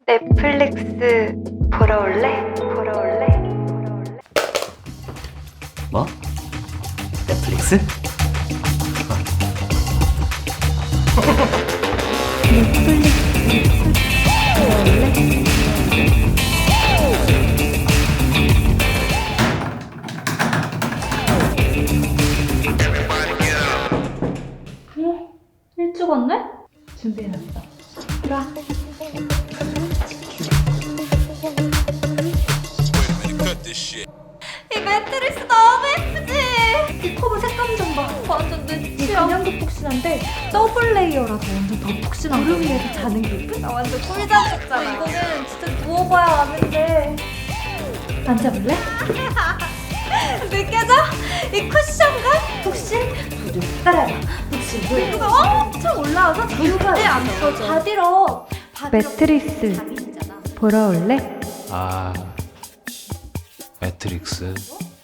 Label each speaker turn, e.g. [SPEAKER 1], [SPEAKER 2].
[SPEAKER 1] 넷플릭스 보러 올래? 보러 올래?
[SPEAKER 2] 뭐? 넷플릭스?
[SPEAKER 3] 일찍 왔네? 준비해놨어. 들어와.
[SPEAKER 1] 이 매트리스 너무 예쁘지?
[SPEAKER 3] 이 커버 색감 좀 봐.
[SPEAKER 1] 완전 내
[SPEAKER 3] 이게
[SPEAKER 1] 취향.
[SPEAKER 3] 그냥도 푹신한데 더블 레이어라서 완전 더 푹신한 무릎 위에서 자는 기분?
[SPEAKER 1] 나 완전 꿀잠 잤잖아.
[SPEAKER 3] 이거는 진짜 누워봐야 아는데. 앉아볼래?
[SPEAKER 1] 느껴져? 이 쿠션감?
[SPEAKER 3] 푹신? 부들 따라해봐. 푹신
[SPEAKER 1] 이거 엄청 올라와서 절대 안 터져.
[SPEAKER 3] 바디로 매트리스
[SPEAKER 1] 잠이잖아.
[SPEAKER 3] 보러 올래?
[SPEAKER 2] 아, 매트릭스.